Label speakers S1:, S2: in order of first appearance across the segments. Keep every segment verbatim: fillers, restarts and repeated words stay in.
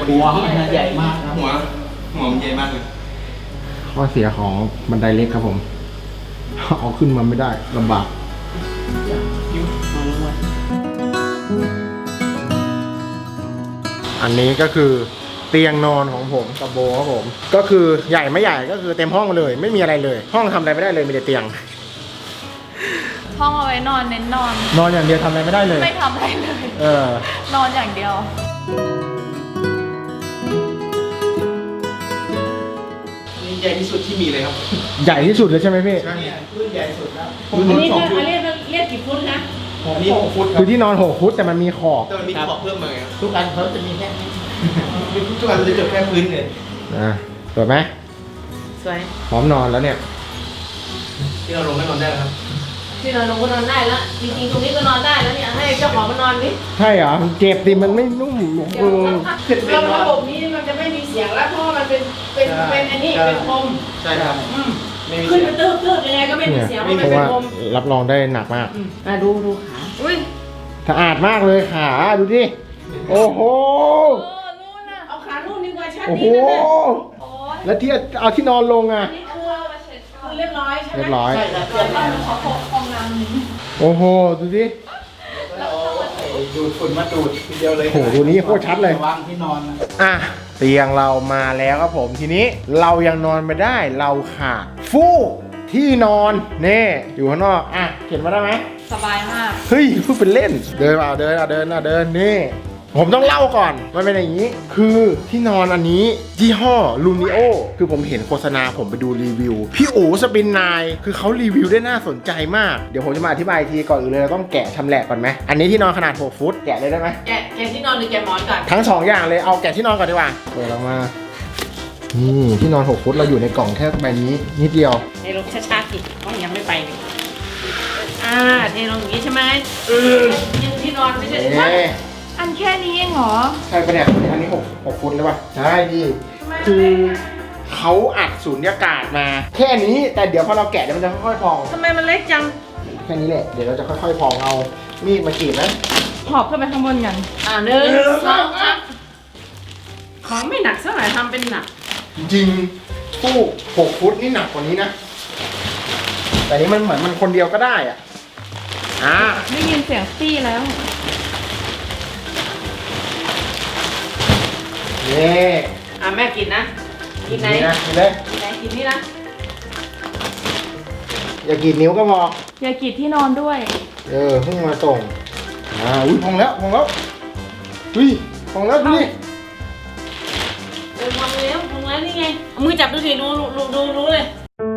S1: หัวมันใหญ่มากครับ
S2: หัวหัวมันใหญ่มากเลย
S3: ข้อเสียของบันไดเล็กครับผมเอาขึ้นมาไม่ได้ลำบากอันนี้ก็คือเตียงนอนของผมกับโบครับผมก็คือใหญ่ไม่ใหญ่ก็คือเต็มห้องเลยไม่มีอะไรเลยห้องทำอะไรไม่ได้เลยมีแต่เตียง
S4: ห้องเอาไว้นอนเน้นนอน
S3: นอนอย่างเดียวทำอะไรไม่ได้เลย
S4: ไม่ทำอะไรเลย
S3: เออน
S4: อนอย่างเดียว
S2: นี่ใหญ่ที่สุดที่มีเลยครับ
S3: ใหญ่ที่สุดเลยใช่ไหมพี่
S1: ใช่พื้นใหญ่สุดแล้ว
S5: อันนี้คือเรียกเรียกกี่ฟุตนะ
S2: นี่หกฟุต
S3: คือที่นอนหกฟุตแต่มันมีขอบ
S2: แต่มันมีขอบเพิ่มมาไง
S1: ทุกอันเขาจะมีแค่นี้
S2: ทุกอันมันจะเกิดแค่พื้นเลย
S3: อ่ะสวยไหม
S5: สวย
S3: พร้อมนอนแล้วเนี่ย
S2: ที่เราลงไม่นอนได้แล้วครับ
S5: ที่นอนลงก็นอนได้แล้วจริงๆตรงนี้ก็นอนได้แล้วเนี่ยให้เจ้าของมานอนดิ
S3: ใช่เหรอมันเจ็บดิมันไม่นุ่มเออ
S5: ระบบนี้มันจะไม่มีเสียงแล้วเพราะมันเป็นเป็นเป็นอันนี้เป็นคม
S2: ใช่ครับ
S5: ขึ้นไปตื้อตื้อยังไงก็ไม่มีเสียงเพราะมันเป็นคม
S3: รับรองได้หนักมาก
S5: อ่ะดูดูขาอุ้ย
S3: สะอาดมากเลยขาดูดิโอ้โห
S5: เอาขาลูกนี่กว่าชัด
S3: โอ้โหแล้วที่เอาที่นอนลงอ่ะ
S5: นี่คือคือเรียบร้อยใช่ไหม
S3: เรียบร้อย
S1: ใช่ครับเรียบร้อย
S4: ขอฟองน้ำหนึ่ง
S3: โอ้โหดูดิ
S1: ดูดฝุ่นมาดูดทีเดียวเลย
S3: โอ้โหดูนี้โคตรชัดเลยว
S1: างที่นอน
S3: อ่ะเตียงเรามาแล้วครับผมทีนี้เรายังนอนไม่ได้เราขาดฟูกที่นอนเน่อยู่ข้างนอกอ่ะเห็นมาได้ไหม
S4: สบายมาก
S3: เฮ้ยพูดเป็นเล่นเดินเอาเดินเอาเดินเอาเดินนี่ผมต้องเล่าก่อนมันเป็นอย่างนี้คือที่นอนอันนี้ยี่ห้อลูนิโอคือผมเห็นโฆษณาผมไปดูรีวิวพี่อู๋สปินนายคือเขารีวิวได้น่าสนใจมากเดี๋ยวผมจะมาอธิบายทีก่อนอื่นเลยเราต้องแกะชำแหละก่อนไหมอันนี้ที่นอนขนาดหกฟุตแกะเลยได้ไหม
S5: แกะแกะที่นอนหรือแกะหมอนก่อน
S3: ทั้งสองอย่างเลยเอาแกะที่นอนก่อนดีกว่าเปิดออกมานี่ที่นอนหกฟุตเราอยู่ในกล่องแค่ใบนี้นิดเดียว
S5: เทลงช้าๆสิต้องยังไม่ไปเลยอ่าเทลงอย่างนี้ใช่ไหมเออยังที่นอนไม่ใช่ไหม
S4: อันแค่นี้เองเหรอ
S3: ใช่ปะเนี่ยอันนี้หกหกฟุตเลยป่ะใช่ดิคือเขาอัดสูญญากาศมาแค่นี้แต่เดี๋ยวพอเราแกะเดี๋ยวมันจะค่อยๆพอง
S5: ทำไมมันเล็กจัง
S3: แค่นี้แหละเดี๋ยวเราจะค่อยๆพองเอามีดมากรีดนะ
S4: หอบขึ้นไปข้างบนกัน
S5: อ่าหนึ่งสองสามของไม่หนักสักหน่อยทำเป็นหนัก
S3: จริงตู้หกฟุตนี่หนักกว่านี้นะแต่นี้มันเหมือนมันคนเดียวก็ได้อ่ะอ่า
S4: ได้ยินเสียงปี้แล้ว
S3: นี่
S5: อ่ะแม่กินนะกินไหน
S3: กินเลย
S5: กินไหนกินนี่นะ
S3: อย่ากินนิ้วก็พอ
S4: อย่ากรีดที่นอนด้วย
S3: เออเพิ่งมาส่งอ่าอุ้ยพองแล้วพองแล้วอุ้ยพองแล้วดูดิ
S5: เออพองแล้วพองแล้วนี่ไงมือจับดูสิดูดูดูรู้เลย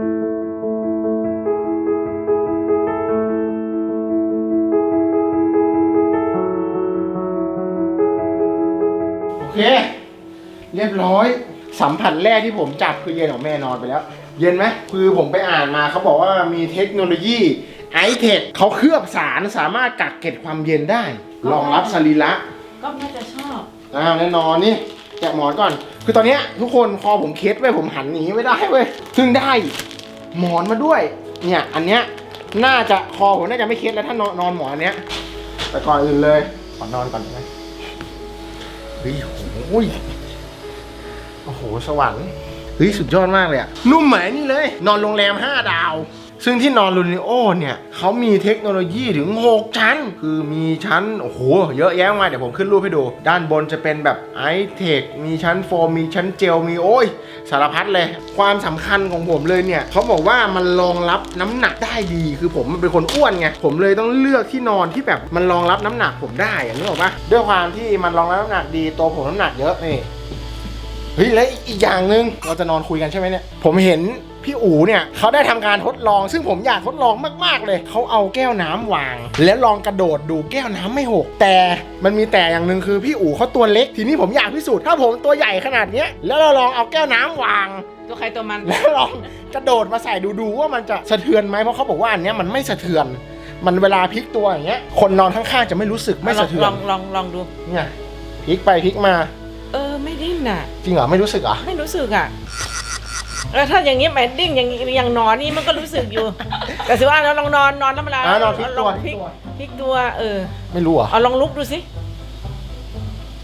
S3: โอเคเรียบร้อยสัมผัสแรกที่ผมจับคือเย็นของแม่นอนไปแล้วเย็นไหมคือผมไปอ่านมาเขาบอกว่ามีเทคโนโลยีไอเทคเขาเคลือบสารสามารถกักเก็บความเย็นได้รองรับสรีระ
S5: ก็น่าจะชอบ
S3: อ้าวแน่นอนนี่แกะหมอนก่อนคือตอนนี้ทุกคนคอผมเคล็ดไว้ผมหันหนีไม่ได้เว้ยซึ่งได้หมอนมาด้วยเนี่ยอันเนี้ยน่าจะคอผมน่าจะไม่เคล็ดแล้วถ้านอนนอนหมอนเนี้ยแต่ก่อนอื่นเลยขอนอนก่อนได้ไหมเฮ้ยโอ้ยโอ้โหสวรรค์เฮ้ยสุดยอดมากเลยอะนุ่มเหมือนนี่เลยนอนโรงแรมห้าดาวซึ่งที่นอนลูนิโอเนี่ยเขามีเทคโนโลยีถึงหกชั้นคือมีชั้นโอ้โหเยอะแยะมากเดี๋ยวผมขึ้นรูปให้ดูด้านบนจะเป็นแบบไอเทคมีชั้นโฟมมีชั้นเจลมีโอ้ยสารพัดเลยความสำคัญของผมเลยเนี่ยเขาบอกว่ามันรองรับน้ำหนักได้ดีคือผมเป็นคนอ้วนไงผมเลยต้องเลือกที่นอนที่แบบมันรองรับน้ำหนักผมได้อะนึกออกปะด้วยความที่มันรองรับน้ำหนักดีตัวผมน้ำหนักเยอะนี่เฮ้ยแล้วอีกอย่างหนึ่งเราจะนอนคุยกันใช่ไหมเนี่ยผมเห็นพี่อู๋เนี่ยเขาได้ทำการทดลองซึ่งผมอยากทดลองมากๆเลยเขาเอาแก้วน้ำวางแล้วลองกระโดดดูแก้วน้ำไม่หกแต่มันมีแต่อย่างหนึ่งคือพี่อู๋เขาตัวเล็กทีนี้ผมอยากพิสูจน์ถ้าผมตัวใหญ่ขนาดนี้แล้วเราลองเอาแก้วน้ำวาง
S5: ตัวใครตัวมัน
S3: แล้วลองกระโดดมาใส่ดูๆว่ามันจะสะเทือนไหมเพราะเขาบอกว่าอันนี้มันไม่สะเทือนมันเวลาพลิกตัวอย่างเงี้ยคนนอนข้างๆจะไม่รู้สึกไม่สะเทือน
S5: ลองลองลองดู
S3: เนี่ยพลิกไปพลิกมา
S5: เออไม่ดิ้นน่ะ
S3: จริงเหรอไม่รู้สึกเหรอ
S5: ไม่รู้สึกอ่ะแล้วถ้าอย่างนี้แมดดิ้งอย่างอย่างนอนนี่มันก็รู้สึกอยู่แต่สิว่าเราลองนอนนอนแล้วเวลาน
S3: อนพลิกตัว
S5: พลิกตัวเออ
S3: ไม่รู้อ่ะ
S5: เอาลองลุกดูสิ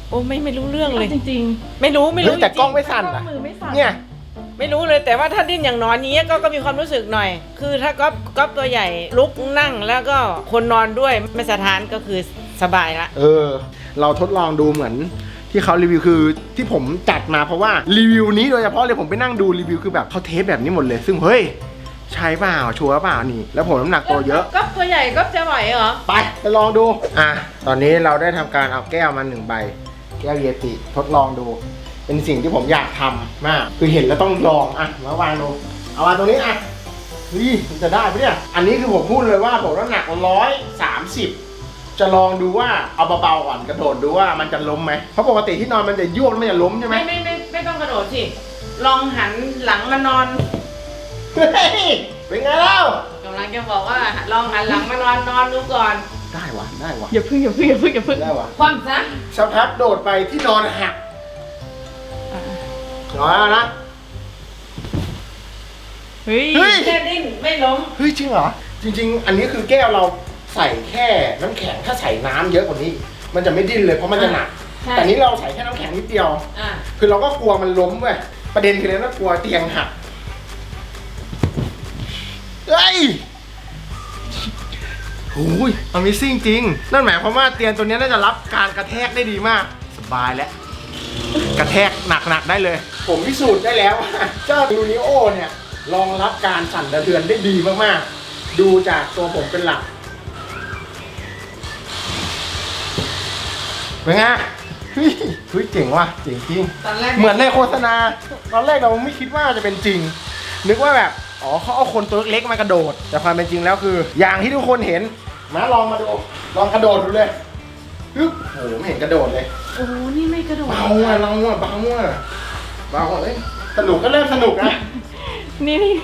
S5: โอ้ไม่ไม่รู้เรื่องเลย
S4: จริง
S5: ไม่รู้ไม่รู้
S3: เฮ้ยแต่กล้องไม่
S4: ๆ
S3: สั่น
S4: กล้
S3: นะ
S4: องมือไม่สั่น
S3: เนี่ย
S5: ไม่รู้เลยแต่ว่าถ้าดิ้นอย่างนอนนี้ก็ก็มีความรู้สึกหน่อย คือถ้าก๊อฟก๊อฟตัวใหญ่ลุกนั่งแล้วก็คนนอนด้วยไม่สะท้านก็คือสบายละ
S3: เออ เราทดลองดูเหมือนที่เขารีวิวคือที่ผมจัดมาเพราะว่ารีวิวนี้โดยเฉพาะเลยผมไปนั่งดูรีวิวคือแบบเขาเทสแบบนี้หมดเลย ซึ่งเฮ้ยใช่เปล่าชัวร์เปล่านี่ แล้วผมน้ำหนักตัวเยอะ
S5: ก๊อฟตัวใหญ่ก๊อฟจะไหวเหรอ
S3: ไปไปลองดู อ่ะ ตอนนี้เราได้ทำการเอาแก้วมาหนึ่งใบ แก้วเยติทดลองดู เป็นสิ่งที่ผมอยากทำมาก คือเห็นแล้วต้องลอง อ่ะ มาวางดู เอาวางตรงนี้อ่ะเฮ้ยมันจะได้ปะเนี่ย อันนี้คือผมพูดเลยว่าผมน้ำหนักร้อยสามสิบจะลองดูว่าเอาเบาๆก่อนกระโดดดูว่ามันจะล้มไหม เพราะปกติที่นอนมันจะยวกแล้วมันจะล้มใช่ไหม
S5: ไม่ไม่ไม่ไม่ต้องกระโดดสิลองหันหลังมานอน
S3: เฮ้ยเป็นไงเล่าก
S5: ำลังจะบอกว่าลองหันหลังมานอนนอนดูก่อน
S3: ได้วะได้วะ
S4: อย่าพึ่งอย่าพึ่งอย่าพึ่งอย่าพึ่ง
S3: ได้วะ
S5: ความซะ
S3: สักพักโดดไปที่นอนหักนอนแล้วนะ
S4: เฮ้ย
S3: เฮ้ย
S5: แค่ดิ้นไม่ล้ม
S3: เฮ้ยจริงเหรอ จริง ๆ อันนี้คือแก้วเราใส่แค่น้ำแข็งถ้าใส่น้ำเยอะกว่านี้ มันจะไม่ดิ้นเลยเพราะมันจะหนัก
S5: ใช่
S3: แต่นี้เราใส่แค่น้ำแข็งนิดเดียว
S5: อ่ะ
S3: คือเราก็กลัวมันล้มเว้ยประเด็นคือเรากลัวเตียงหักเฮ้ยโอ้ย Amazing จริง นั่นหมายความว่าเตียงตัวนี้น่าจะรับการกระแทกได้ดีมาก สบายแล้ว กระแทกหนักๆได้เลย ผมพิสูจน์ได้แล้วว่าเจ้าลูนิโอเนี่ยรองรับการสั่นสะเทือนได้ดีมากๆ ดูจากตัวผมเป็นหลักเป็นไงเฮ้ยเฮ้ยเจ๋งว่ะเจ๋งจริง
S5: ตอนแรก
S3: เหมือนในโฆษณา ตอนแรกเราไม่คิดว่าจะเป็นจริง นึกว่าแบบ อ๋อเขาเอาคนตัวเล็กๆมากระโดด แต่ความเป็นจริงแล้วคือ อย่างที่ทุกคนเห็น มาลองมาดู ลองกระโดดดูเลยฮึบโอ้โหไม่เห็นกระโดดเลย
S4: โอ้โหนี่ไม่กระโดด
S3: เบาอ่ะเราอ่ะเบาอ่ะเบาอ่ะเอ้ยสนุกก็เริ่มสนุกนะ
S4: นี่นี่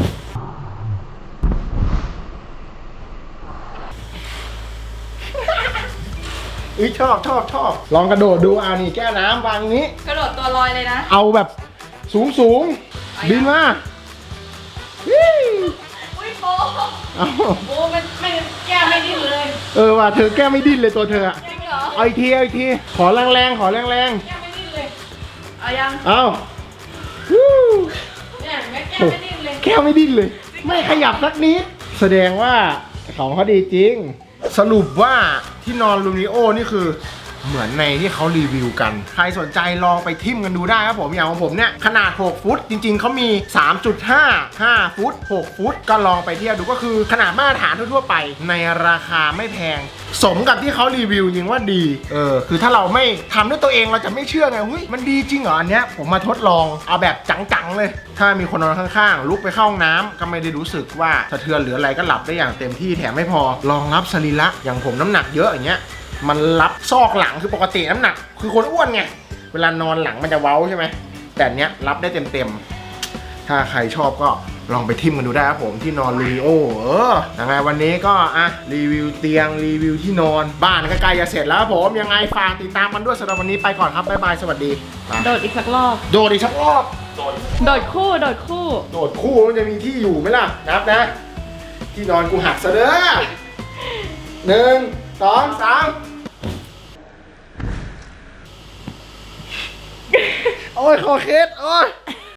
S3: เอ้ยชอบชอบชอบลองกระโดดดูอ่านี่แก้วน้ำวางนี้
S4: กระโดดตัวลอยเลยนะ
S3: เอาแบบสูงสูงบินมาฮิ้ว
S4: อุ้ยโป
S3: เอา
S5: โอ้มันไม่แก้ไม่ดิ้นเลย
S3: เออว่ะเธอแก้ไม่ดิ้นเลยตัวเธออะ
S4: ยังเหรอ
S3: เอาอีกทีเอาอีกทีขอแรงแรงๆขอแรงแรง
S5: แก้ไม่ดิ้นเลย
S4: เอายัง
S3: ๆเอาฮู้
S5: เนี่ยแม่แก้ไม่ดิ้นเลย
S3: แก้วไม่ดิ้นเลย ไม่ขยับสักนิด แสดงว่าของเขาดีจริง สรุปว่าที่นอนลูนิโอนี่คือเหมือนในที่เขารีวิวกัน ใครสนใจลองไปทิมกันดูได้ครับผมอย่างของผมเนี่ยขนาดหกฟุตจริงๆเขามี สามจุดห้า ห้าฟุตหกฟุตก็ลองไปเทียบดูก็คือขนาดมาตรฐานทั่วๆไปในราคาไม่แพง สมกับที่เขารีวิวจริงว่าดีเออคือถ้าเราไม่ทำด้วยตัวเองเราจะไม่เชื่อไงเฮ้ยมันดีจริงเหรออันเนี้ยผมมาทดลองเอาแบบจังๆเลย ถ้ามีคนนอนข้างๆลุกไปเข้าห้องน้ำก็ไม่ได้รู้สึกว่าสะเทือนหรืออะไรก็หลับได้อย่างเต็มที่แถมไม่พอรองรับสรีระอย่างผมน้ำหนักเยอะอย่างเงี้ยมันรับซอกหลังคือปกติน้ำหนัก คือคนอ้วนไงเวลานอนหลังมันจะเว้าใช่ไหมแต่อันเนี้ยรับได้เต็มๆถ้าใครชอบก็ลองไปทิมกันดูได้ครับผมที่นอนลูนิโอเออยังไงวันนี้ก็อ่ะรีวิวเตียงรีวิวที่นอนบ้านก็ใกล้จะเสร็จแล้วครับผมยังไงฝากติดตามกันด้วยสำหรับวันนี้ไปก่อนครับบ๊ายบายสวัสดีไป
S4: โดดอีกสักรอบ
S3: โดดอีกสักรอบ
S4: โดดคู่ โดดคู่
S3: โดดคู่มันจะมีที่อยู่ไหมล่ะนับนะ ที่นอนกูหักซะเด้อหนึ่งสองสามโอ้ยคอเคสโอ้ย